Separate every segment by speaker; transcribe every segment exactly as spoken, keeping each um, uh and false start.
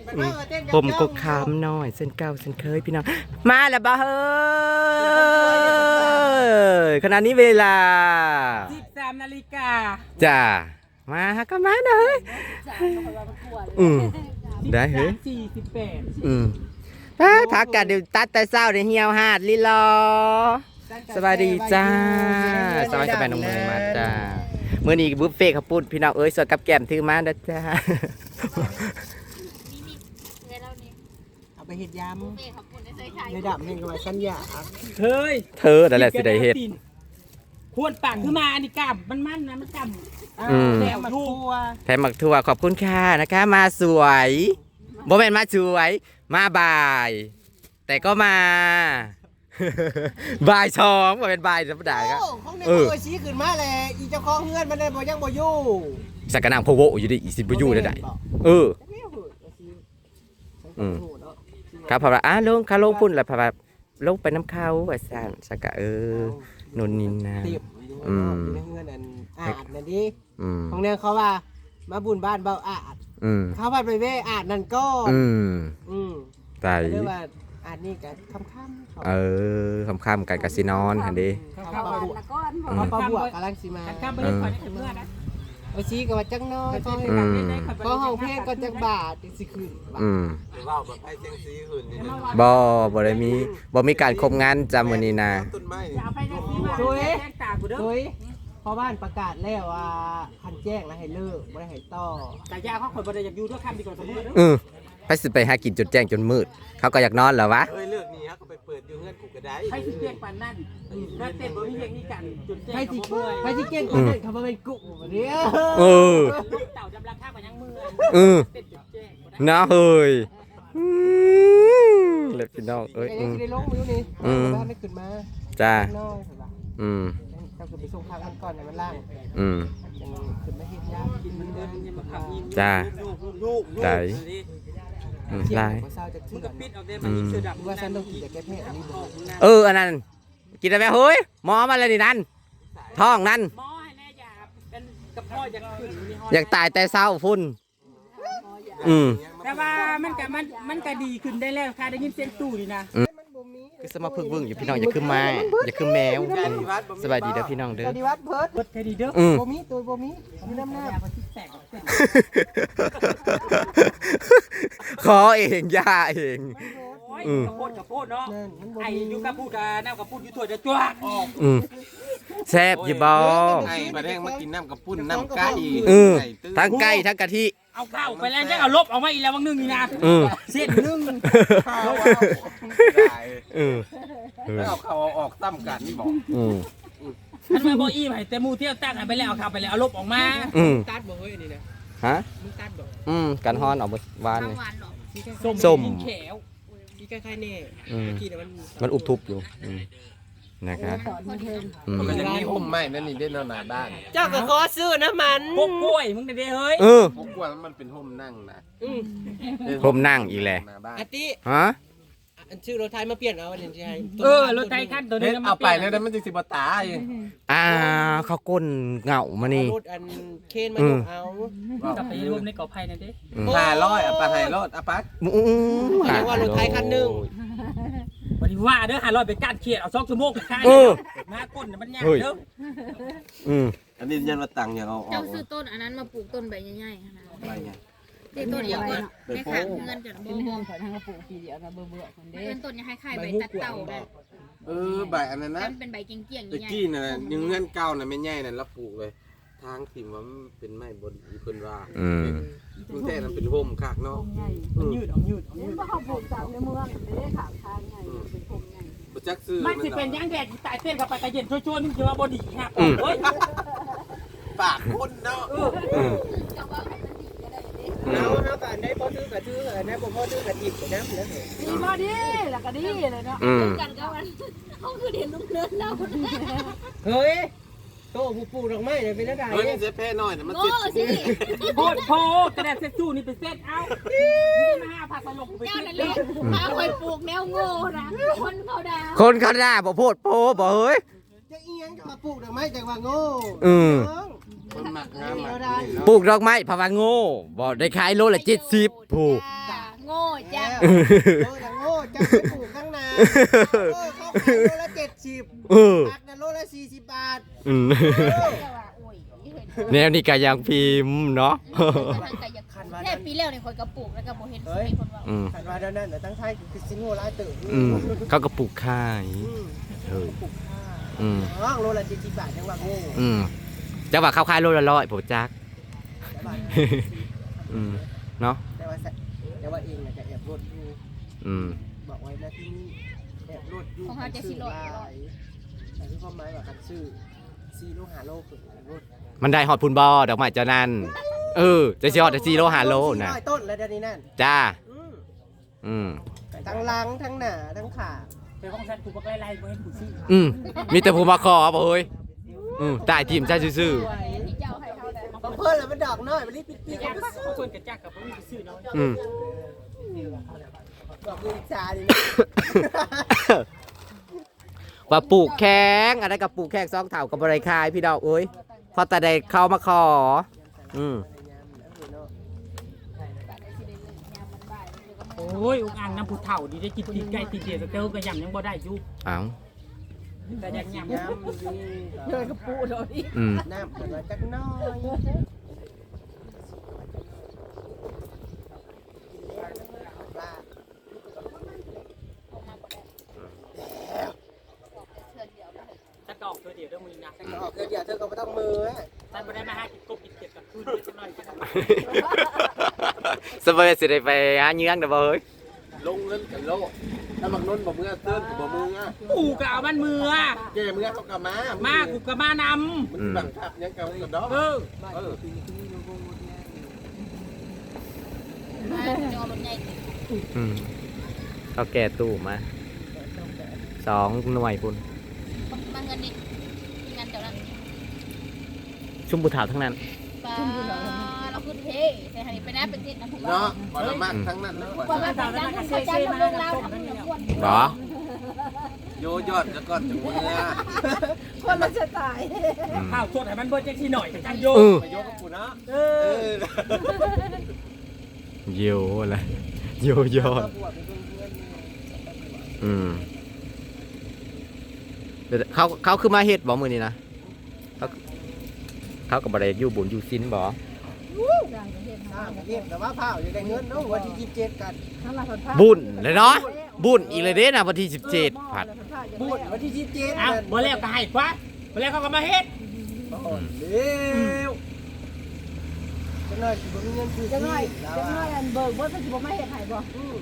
Speaker 1: ผมก็คามน้อยเส้นเก้าเส้นเคยพี่น้องมาแล้วบ่เฮ้ยขณะนี้เวลา
Speaker 2: สิบสามนาฬิกา
Speaker 1: จ้ามาก็มาหน่อยอืมได้เฮ้ย
Speaker 2: สี่สิบแปด
Speaker 1: อืมพักกันเดี๋ยวตัดแต่เศร้าเดี๋ยวเหี่ยวหาดลิลอสวัสดีจ้าสวัสดีกับแม่น้องเมย์มาจ้าเมื่อนี้บุฟเฟ่ข้าวปุ้นพี่น้องเอ้ยสดกับแก้มถือมานะจ้า
Speaker 3: เอาไปเห็ดยำในดับเห็นกับสัญญา
Speaker 2: เฮ้ย
Speaker 1: เธอแต่แหละสิได้เห็ด
Speaker 2: ควรปังขึ้นมาอันนี้กำมันมันนะมันกำ
Speaker 3: แถมมักทั่ว
Speaker 1: แถมมักทั่วขอบคุณค่ะนะคะมาสวยโมเมนต์มาสวยมาบ่าย แต่ก็มาบ่ายสองมาเป็นบ่ายธรรมดาครับ
Speaker 3: เออชี้ขึ้นมาเลยอีเจ้าของเฮือนมันได้บ่ยังบ่อยู่
Speaker 1: สักกะนางโพโวอยู่ดิอีสิบ่อยู่ได้เอออืมครับพอละอ่ะลงขาลงพุ่นแล้วพอละลงไปน้ำเข้าว่าสั่นสักกะเออนนนินนะ
Speaker 3: อืมเฮือนอันอาดนั่นดิของเนี่ยเขาว่ามาบุญบ้านเบาอาดเขาว่าไปเว้อาดนั่นก็
Speaker 1: อืม
Speaker 3: อืม
Speaker 1: ไต่
Speaker 3: เรียกว่าอาดนี่กันค่ำๆ
Speaker 1: เออค่ำๆกันกะสินอนหั่นดิ
Speaker 3: เขาปลาบวกเขาปลาบวกกำลังสิมา
Speaker 2: ค่ำๆบ่ได้ขอให้เพื่อนนะ
Speaker 3: โอ้ชี้ก็ว่าจังน้อยก็ก็ห้องเพลงก็จักบาทสิคืน
Speaker 1: อืม
Speaker 4: ว้าวแบบให้เสียงซีคืนนี่
Speaker 1: บ่บ่ได้มีบ่มีการคมงานจำมื้อนี้นะ
Speaker 3: สวยสวยพอบ้านประกาศแล้วว่าคันแจ้งแล้วให้เลิกบ่ได้ให้ต่อ
Speaker 2: แต่ยาเขาคนบ่ได้อยากอยู่ด้วยค่ำดีกว่าสมมุติ
Speaker 1: เออไปสิไปหากินจนแจ้งจนมืดเขาก็อยากนอนแล้ววะ
Speaker 4: เอ้ยเลิกนี่ฮะก็ไปเปิดอยู่เงินกูก็ได้
Speaker 2: ให้สิเก่งปานนั้นถ้าเต้นบ่มีเฮงนี่กันจนแจ้ง
Speaker 3: ให้สิให้สิเก่งปานนั้นเขาบ่เป็นกุ๊กบ่เด้อ
Speaker 1: เออ
Speaker 2: เต่าจำราคาบ่ยังมือ
Speaker 1: เออนะเฮ้ยเล็บพี่น้องเอ้ยอืม
Speaker 3: ได้ลงอยู่นี่อืมได้ขึ้นมา
Speaker 1: จ้าอืม
Speaker 3: ก็คือไปส่งทางมันก่อนในมันล่าง
Speaker 1: อืม
Speaker 3: ขึ้นมาเฮ็ดยากินมันเดินยังมาขับอิ่ม
Speaker 1: จ้าได้อืมได้
Speaker 2: มึงก็ปิดเอาได้มันอีกเสือดำ
Speaker 3: ว่าฉันต้องกินแต่แก้แพ้อันนี้
Speaker 1: เอออันนั้นกินได้ไหมเฮ้ยหมอมาเลยนี่นั่นท้องนั่น
Speaker 2: หมอให้แน่ยาเป็นกับพ่ออยากขึ้น
Speaker 1: อยากตายแต่เศร้าพุ่นอืม
Speaker 2: แต่ว่ามันก็มันมันก็ดีขึ้นได้แล้วค่ะได้ยินเสียงตู้นี่นะ
Speaker 1: คือสมาพึกเบิ่งอยู่พี่น้องอย่าขึ้นมาอย่าขึ้นแมวสบายดีเด้อพี่น้องเด้อ
Speaker 3: สวัสดีวัดเพิร์ด
Speaker 2: เพิร์ดแค่ดีเด้อ
Speaker 3: บ่มีตัวบ่มีมีน้ำหน้า
Speaker 1: ขอเองย่าเอง
Speaker 2: กระโพดกระโพดเนาะไอ้ยูกระพูดกับน้ำกระพูดยูถั่วจะจ้วกออก
Speaker 1: แซ่บอยู่บ่
Speaker 4: ไอ้ประเด็นมากินน้ำกระปุ้นน้ำไก่
Speaker 1: ทั้งไก่ทั้งกะทิ
Speaker 2: เอาข้าวไปแล้วจะเอาลบออกมาอีกแล้วบางนึงนี่นะเส้นนึง
Speaker 4: ข้าวเออเอาข้าวออกตั้มกันนี่บอก
Speaker 2: อันมาโบอี้ไปแต่มูเที่ยวตั้งไปแล้วเอาข้าวไปแล้วเอาลบออกมา
Speaker 3: ตัดบ่เฮ้ยนี่นะ
Speaker 1: ฮะ
Speaker 3: มึงตัดบ่
Speaker 1: อืมกันฮ้อนออกวานนี่
Speaker 2: ส้มแขว
Speaker 3: ที่ใกล้ๆนี่ที่มัน
Speaker 1: มันอุบทุบอยู่นะครับ
Speaker 4: มันจะมีห่มไหมนั่นนี่ได้นอนหน้าบ้าน
Speaker 3: เจ้าก็ขอซื้อนะมัน
Speaker 2: พวกกล้วยมึงเด้เฮ้ย
Speaker 1: เออ
Speaker 4: พวกกล้วยมันเป็นห่มนั่งนะ
Speaker 1: ห่มนั่งอีกแหละ
Speaker 3: อาติ
Speaker 1: ฮะ
Speaker 3: อันชื่อรถไทยมาเปลี่ยนเอาอันนี้ใช่
Speaker 2: เออรถไทยขั้นตัวนี้
Speaker 4: เอาไปแล้วมันจะสิบตา
Speaker 1: อ่าเขาก้นเงามานี่
Speaker 3: รถอันเคนมาเอา
Speaker 2: กลับไปรวมในกอไผ่นั่นดิ
Speaker 4: ห้าร้อยอ่ะปลาไทยรถอ่ะปัก
Speaker 3: เรียกว่ารถไทยคันหนึ่ง
Speaker 2: วันนี้ว่าเด้อหาร้อยไปกัดเขียดเอาสองชั่วโมงค่ายมาก้นมันยากเด้อ
Speaker 1: อืม
Speaker 4: อันนี้ยันมาตังอย่างเอา
Speaker 5: เจ้าซื้อต้นอันนั้นมาปลูกต้นใบใหญ่ๆขนาดใบใหญ่ต้นเดียวกันในขางเงินจนบ่
Speaker 3: เงินขอทางกระปุกปีเดียวนะเบื่อเบื่อคนเด้
Speaker 5: เป็นต้นยังคล้ายๆใบตัดเต่าแบบ
Speaker 4: เออใบอันนั้นนะ
Speaker 5: เป็นใบเกี้ยงๆ
Speaker 4: ตะกี้น่ะยังเงินเก่าน่ะไม่ใหญ่น่ะแล้วปลูกเลยทางถิ่มว่ามันเป็นไม้บดีเพิ่นว่า
Speaker 1: อืม
Speaker 4: มันแท้นั้นเป็นโฮมคักเนาะ
Speaker 2: มันยืดออกยืดออกยืด
Speaker 3: บ่เฮาปลูกจากในเมืองเด้ขางทางใหญ่เป็นโฮมใหญ่
Speaker 4: บ่จักซื้อ
Speaker 2: มันสิเป็นยังแดดตายเต้นเข้าไปตะเย็นช่วยๆมึงสิว่าบ่ดีฮะเฮ้ย
Speaker 4: ปากคนเนาะ
Speaker 3: เอาเนาะกันได้บ่ซื้อก็ซื้อนะบ่พอซื้อก็จิบนะแล้ว
Speaker 5: ดีบ่ดีแล้วก็ดีเลยเนาะกันก็มันเฮาคือเห็นลุงเนินแล้ว
Speaker 3: เฮ้ยโตผู้ปลูกดอกไม้เนี่ยเป็นอะไร
Speaker 4: เฮ้ยเสียแพ้น้อยน่ะมันติด
Speaker 2: โพดโพกระดาษเซ็ตสู้นี่เป็นเซ็ตเอามาหาผักตลกไปเซ็ตเลย
Speaker 5: มาคอยปลูกแนวโง่นะคนเขาด่า
Speaker 1: คนเขาด่าบ่โพดโพบ่เฮ้ย
Speaker 3: จะเอียงก็มาปลูกดอกไม้จังว่าโง่
Speaker 1: อืม
Speaker 4: คนหมักงาม
Speaker 1: ปลูกดอกไม้ภาวะโง่บ่ได้ขายโลละเจ็ดสิบผู้
Speaker 5: โง่โง่จัง
Speaker 3: โง่จังโง่จังไปปลูกข้างนาเออเขาขายโลละเจ็ดสิบ
Speaker 1: เออ
Speaker 3: ผักนะโลละสี่สิบบาท
Speaker 1: อืม
Speaker 5: แต่ว่าโอ้ยเห็น
Speaker 1: แนวนี้ก็ยังพิมพ์เนาะ
Speaker 5: ทางไกลอยากแค่ปีแล้วเนี่ยคอยกระปุกแล้วก็บ่เห็นมีคนว่า
Speaker 1: อืม
Speaker 3: ขันว่าเดี๋ยวนั้นเดี๋ยวตั้งไทยคือสินหัวร้ายตื่น
Speaker 1: อืมเขาก็ปลูกขาย
Speaker 3: อืม
Speaker 1: เออ
Speaker 3: ปลูกข้า
Speaker 1: อืม
Speaker 3: น้องโลละเจ็ดสิบบาทยังว่าโง่
Speaker 1: อืมจะว่าเข้าขายโลละร้อยผมจัก
Speaker 3: แต่ว่า
Speaker 1: อืมเนาะ
Speaker 3: แต่ว่าแต่ว่าเองน่ะจะแอบรถอยู่
Speaker 1: อืม
Speaker 3: บอกไว้นะที่นี่แอบรถอยู่แต่ที่ความหมายว่าการซื้อซีโลหาโลคือรถ
Speaker 1: มันได้ฮอดพุนบอดอกไม้เจ้านั่นเออจะสิฮอดแต่สี่โลห้าโลนะ
Speaker 3: ร้อยต้นแล้วเดี๋ยวนี้นั่น
Speaker 1: จ้า
Speaker 3: อืม
Speaker 1: อืม
Speaker 3: ทั้งหลังทั้งหน้าทั้งขา
Speaker 2: เป็นของฉันกูก็ไล่ๆกูเห็นกูซื้อ
Speaker 1: อืมมีแต่ผู้มาขอบ่เฮ้ยอืมตายทีมใช่ซื่อ
Speaker 5: ที่เจ้าให้เขาแต่
Speaker 3: บางเพิ่นแล้วมันดอกน้อยมันรีบปิดปีก
Speaker 2: อยา
Speaker 3: เอา
Speaker 2: ก
Speaker 3: ไปซื้อ
Speaker 2: เขาคนกระจักกับผมซื้อเนาะ
Speaker 1: ๆอืม
Speaker 3: ดอกลูกชาดิ
Speaker 1: ว่าปลูกแข้งอะไรกับปลูกแข้งซองเถากับบริคายพี่ดอกเอ้ยพอแต่ได้เข้ามาขออืม
Speaker 2: โอ้ยอุกอ่างน้ำผุดเถ่าดีได้กินตีนไก่ตีนเดียสเตลก็ยำยังบ่ได้อยู่
Speaker 1: เอ้า
Speaker 2: แต่ยังยำ
Speaker 3: น้ำอยู่
Speaker 5: เลยกระปุกเลย
Speaker 1: อืม
Speaker 3: น้ำเพิ่นว่าจักหน้อยปลา
Speaker 2: ถ้าตอกตัวเดียวเรื่องมือนะ
Speaker 3: แต่ก็ออกเดี๋ยวเธอก็ไม่ต้องมือฮะ
Speaker 2: ท่านไม่ได้มาหากินกบกินเก็บกับคืนจะน้อยกัน
Speaker 1: สบายสิได้ไปหาเนื้อเด้อบ่เฮ้ย
Speaker 4: ลงเงินกันโลถ้าบักนุ่นบ่เมื่อเติ้นก็บ่มืออ่ะ
Speaker 2: กูก็เอามันมือ
Speaker 4: แกเมื่อเขาก็มา
Speaker 2: มากูก็มาน
Speaker 4: มันบังคับยังกับกับดอก
Speaker 2: ำเออ
Speaker 4: เออ
Speaker 5: จอรถใหญ่
Speaker 1: อืมเขาแก่ตู้มาสองหน่วยพุ่น
Speaker 5: มาเงินนี่เงินเจ้านั้น
Speaker 1: ชุ่มผู้เฒ่าทั้งนั้น
Speaker 5: ปลาเราขึ้นเทแต่หันไปนะเป็นทิศนะผมว่า
Speaker 4: เนาะบ่ละมากทั้งนั้นนะ
Speaker 5: ว่ามาจากนั้นเขาจะลงลงเราทำให้เราควร
Speaker 1: เหรอ
Speaker 4: โยยอดแล้วก็จะเมื่อ
Speaker 3: คนมันจะตาย
Speaker 1: อืม
Speaker 2: ข้าวสดให้มันเบิร์ดที่หน่อยแต่จังโย
Speaker 1: เออ
Speaker 4: ไปโยกับกูนะ
Speaker 2: เอ
Speaker 4: เอ
Speaker 2: อ
Speaker 4: อ
Speaker 1: โยอะไรโยยอด อืมเดี๋ยวเขาเขาคือมาเฮ็ดบ่มื้อนี้นะเขาเขาก็บ่ได้อยู่บุญอยู่ศีลบ่
Speaker 3: เรียกแต่ว่าเผาอยู่ในเงินเนาะวันที่ยี่สิบเจ็ดกัน
Speaker 1: บุญเลยเนาะบุญอีกเลยเด้นะวันที่สิบเจ็ดผัด
Speaker 3: พูดวันที่ยี่สิบเจ็ด
Speaker 2: เอาเมื่อแล้วก็ให้กว่าเมื่อแล้วเขาก็มาเฮ็ด
Speaker 3: เร็วจังหน่อยสิบ่มีเงินซื้อ
Speaker 6: จังหน่อย
Speaker 3: แล้ว
Speaker 6: จังหน่อยอันเบิกบ่สิบ่มาเฮ็ดให้บ่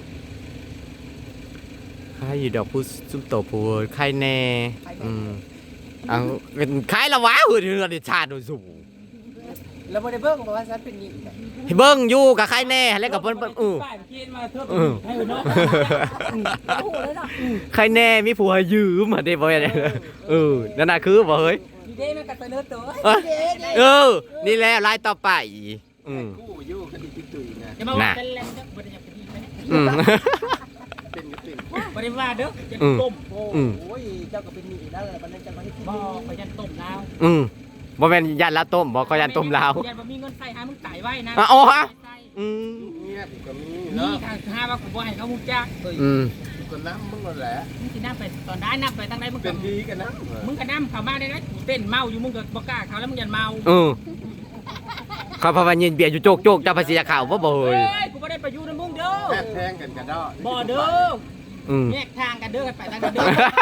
Speaker 1: ใครอยู่ดอกผู้ซุ่มโตผู้ใครแน่อืมเอาเป็นใครละวะเฮ้ยเรือนชาติโดยสูง
Speaker 3: แล้วบ่ได้เบิ่งบอกว่าฉันเป็นหนี้
Speaker 1: ให้เบิ่งอยู่กับใครแน่แล้วกับเพิ่นเพิ่นเออ
Speaker 2: ป้ายเมื่อกี้มาเทิด
Speaker 1: เออ
Speaker 2: ให้เนาะ
Speaker 6: โอ้โหเลยเนาะ
Speaker 1: ใครแน่มีผัวให้ยืมมาได้บ่เนี่ยเออนั่นน่ะคือบ่เฮ้ย
Speaker 2: ดีเด้มันก็เสนอตัว
Speaker 1: เอ้ยเออนี่แหละรายต่อไปอืม
Speaker 4: กู้อยู่คดีตุยนะ
Speaker 2: อย่ามาว่าเป็นแรงเด้อบ่ได้อยากเป็นดีไปเนี่ย
Speaker 1: อืม
Speaker 4: เป็นก็เป็น
Speaker 2: บ่ได้ว่าเด้ออย่า
Speaker 1: อืม
Speaker 2: ต้ม
Speaker 3: โอ้ยเจ้าก็เป็นหนี้แล้วบัดนั้นจะมาให้กิน
Speaker 2: บ่ไปยันต้มแล้ว
Speaker 1: อืมบ่แม่นยันลาวต้มบ่ก็ยันต้มลาว
Speaker 2: ยันบ่มีเงินใส่หามึงตายไว้นะ
Speaker 1: อ่ะโอ้ฮะ อืม
Speaker 4: เงียบก็มี
Speaker 2: นี่
Speaker 4: เนาะ
Speaker 2: ค่ะหาว่ากูบ่ให้เขาฮู้จัก
Speaker 1: อืม
Speaker 4: ก็น้ำมึงก็แหละ
Speaker 2: มึงสินำไปตอนได้นำไปทางใดมึง
Speaker 4: เป็
Speaker 2: ก็
Speaker 4: นดีกันนะ
Speaker 2: มึงก็นำเข้ามาได้นะกูเต้นเมาอยู่มึงก็บ่กล้าเข้าแล้วมึงยันเมา
Speaker 1: เออเขาพาวันเย็นเบียร์อยู่โจกโจกๆเจ้าภาษีข่าวบ่บ่เฮ้
Speaker 2: เฮ้
Speaker 1: ย
Speaker 2: ยกูบ่ได้ไปอยู่ในมึงเด้อ
Speaker 4: แพ้แทงกันกันดอ
Speaker 2: บ่เด้อ
Speaker 1: อืม
Speaker 2: แยกทางกันเด้อกันไปทางกันเด้อ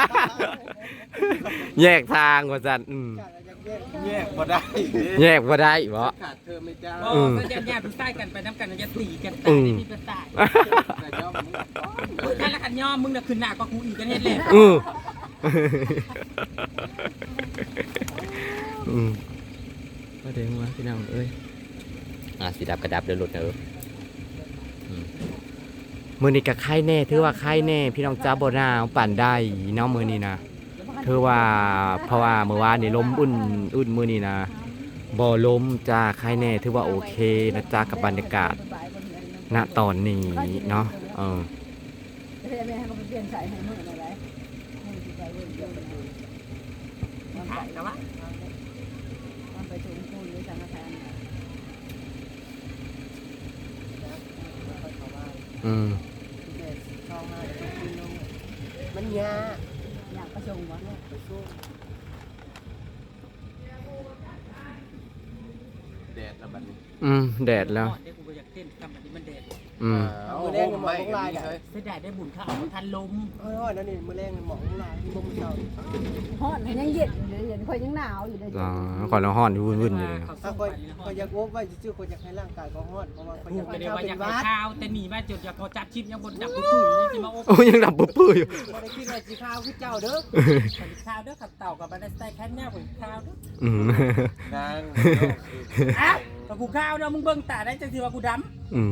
Speaker 1: แยกทางว่าซั่นอืม
Speaker 4: แยกบ่ได้
Speaker 1: แยกบ่ได้บ่
Speaker 4: ขาดเธอไม่จ้า
Speaker 2: บ่
Speaker 1: อืม
Speaker 2: ก็จะญาติผู้ชายกันไปนํกันจะตีกัน
Speaker 1: อื
Speaker 2: ตาย
Speaker 1: ม
Speaker 2: ได้มีประสาท
Speaker 4: แต่ยอมมึง
Speaker 2: มึงกันละกันยอมมึงน่ะขึ้นหน้าก็กูอีกกันเฮ็ดแหละ
Speaker 1: อืมอืมก็เด้งวะพี่น้องเอ้ยอ่ะสีดับกระดับเดี๋ยวหลุดเด้ออืมมื้อนี้ก็ไข่แน่ถือว่าไข่แน่พี่น้องจ้าบ่หนาวปานใดเนาะมื้อนี้นะถือว่าเพราะว่าเมื่อวานนี่ลมอุ่นอุ่นมื้อนี้นะบ่ลมจ้าไข่แน่ถือว่าโอเคนะจ้ากับบรรยากาศณตอนนี้เนาะเออ
Speaker 6: เฮ็ดแม่ให้เขาเปลี่ยนสายให้มื้อนั่นแหละให้สิไปเบิ่งเดี๋ยวมัน
Speaker 2: ถ่ายนะวะ
Speaker 6: มันไปถึงคุณหรือสังฆทาน
Speaker 1: ออืม
Speaker 3: แต่ช่องมาต้องขึ้นลงมันยาก
Speaker 6: อยากประชงวะ
Speaker 3: ไปสู้
Speaker 4: แดดแล้วบัดนี้
Speaker 1: อืมแดดแล้ว
Speaker 2: เดี๋ยวกูอยากเต้นทำแบบนี้มันแดด
Speaker 1: อืม
Speaker 4: เอาผมไม่กันนี่เลย
Speaker 2: เสียดายได้บุญข้าวทันลม
Speaker 3: เฮ้ยๆนั่นนี่มื้อแรงหมองลายบ่มเช้า
Speaker 6: ฮอดยังเย็นอยู่เลยเย็นค่อยยังหนาวอยู่เลย
Speaker 1: อ๋อก่อนเราห้อนอยู่วุ่นๆอยู่เลย
Speaker 2: เขา
Speaker 3: ถ้า
Speaker 2: ส่ง
Speaker 3: คอย
Speaker 2: ไปแล้ว
Speaker 3: คอยอยากโอบไว้ซื่อๆคอยอยากให้ร่างกายเขาฮอดเพราะว่าคอยอ
Speaker 2: กู
Speaker 3: ยาก
Speaker 2: ก็
Speaker 3: ให้
Speaker 2: ได้
Speaker 3: เขา
Speaker 2: ว่า
Speaker 3: เป็
Speaker 2: อยาน ก
Speaker 3: หวัด
Speaker 2: ข้าวแต่หนีมาจนอยากพอจับชิปยังบนดับกูขึ้นยังจะมาโอ้
Speaker 1: โอ้ยังดับปุ๊บปื้ออยู่
Speaker 3: บ่ได้คิดว่าสิข้าวคือเจ้าเด้อ
Speaker 2: ข้าวเด้อขับเต่ากับบันไดสไตล์แค่เนี้ยกูข้าวเด้อ
Speaker 1: อืม
Speaker 4: นาง
Speaker 2: อ้าวกับกูข้าวเด้อมึงเบิ่งตาได้จังสิว่ากูดำ
Speaker 1: อืม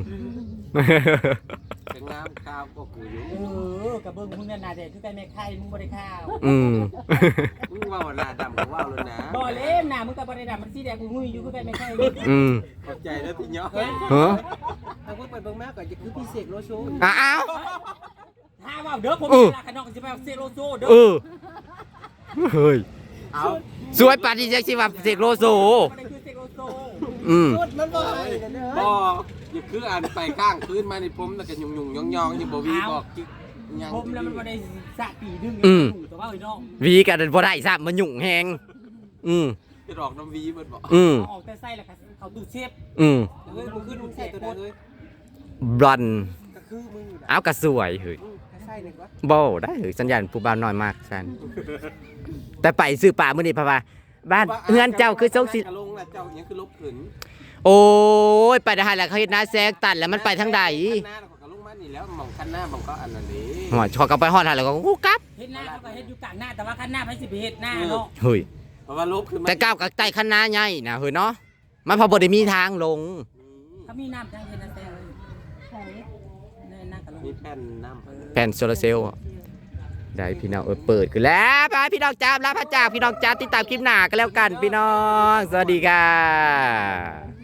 Speaker 4: เป็นน้ำข้าวก็กูอยู่
Speaker 2: เออกับเบิ่งมึงนั่นน่ะเด็ดคือไก่แม่ไข่มึงบ่ได้ข้าว
Speaker 1: อืม
Speaker 4: มึงว่าหน้าดำกูว่าเลยนะ
Speaker 2: บ่เล่มน่ะมึงกับบ่ได้ดำมันสีแดงกูงุยอยู่คือไก่แม่ไข่
Speaker 1: อืม
Speaker 4: ขอบใจแล้วพี่เนาะ
Speaker 1: ฮะ
Speaker 3: ถ้าเพิ่นไปเบิ่งมาก็จะคือพี่เสกโลโซ
Speaker 1: อ้าว
Speaker 2: ถ้าว่าเด้อผม
Speaker 1: เออ
Speaker 2: เวลาขนอกสิไปเอาเซโรโซเด้อ
Speaker 1: เออเฮ้ย
Speaker 4: เอา
Speaker 1: สวยปาดิจักสิว่าเสกโลโซ
Speaker 2: บ่ได้คือเซโรโซ
Speaker 1: อืม
Speaker 3: สุดมันบ่ให้เด้อ
Speaker 4: บ่อย่าคืออ่านไปข้างคืนมาในผมแล้วก็ยุ่งยุ่งยองยองอยู่บ่วีบอกจิกยัง
Speaker 2: ผมแล้วมันบ่ได้สะปีดึง
Speaker 1: อืม
Speaker 2: แต่ว่าไอ้น้อง
Speaker 1: วีกันบ่ได้ซ้ำมันยุ่งแฮงอืม
Speaker 4: จะดอกน้ำวีเบิดบอก
Speaker 1: อืม
Speaker 2: เอาออกแต่ไส้แล้วก็เขาดูดเชฟ
Speaker 1: อืม
Speaker 3: เฮ้ยมึงขึ้นมึงใส่ตัวใดเลย
Speaker 1: บลอน
Speaker 3: ก็คือมึงอยู่น่ะ
Speaker 1: เอากระสวยเฮ้ย
Speaker 3: อืมก็ใส่หนึ่งวะ
Speaker 1: บ่ได้เฮ้ยสัญญาณผู้บ่าวน้อยมากซันแต่ไปซื้อป่ามื้อนี้เพราะว่าบ้านเฮือนเจ้าคือทรงสิ
Speaker 4: กระลงแล้วเจ้ายังคือลบขืน
Speaker 1: โอ้ยไปได้แล้วเขาเฮ็ดหน้าแซกตันแล้วมันไปทางใด
Speaker 4: คันหน้าแล้วก็กระลงมานี่แล้วมองคันหน้ามองก็อันนั้นนี้
Speaker 1: หัวชอกลับไปฮอดหาแล้วก็กูกลับ
Speaker 2: เฮ็ดหน้าเขาก็เฮ็ดอยู่กลางหน้าแต่ว่าข้างหน้าไปสิไปเฮ็ดหน้าเนาะ
Speaker 1: เฮ้ย
Speaker 4: เพราะว่าลบคือมัน
Speaker 1: แต่ก้าวกับใต้คันนาใหญ่นะเฮ้ยเนาะมันพอบ่ได้มีทางลง
Speaker 2: เขามีน้ำจังเฮ็ดนะแต่เลย
Speaker 6: ใช่
Speaker 2: ในหน้ากะลง
Speaker 4: มีแผ่นน้ำ
Speaker 1: แผ่นโซลาร์เซลล์อะได้พี่น้องเออเปิดกันแล้วไปพี่น้องจ้าลาพระจากพี่น้องจ้าติดตามคลิปหน้ากันแล้วกันพี่น้อง สวัสดีค่ะ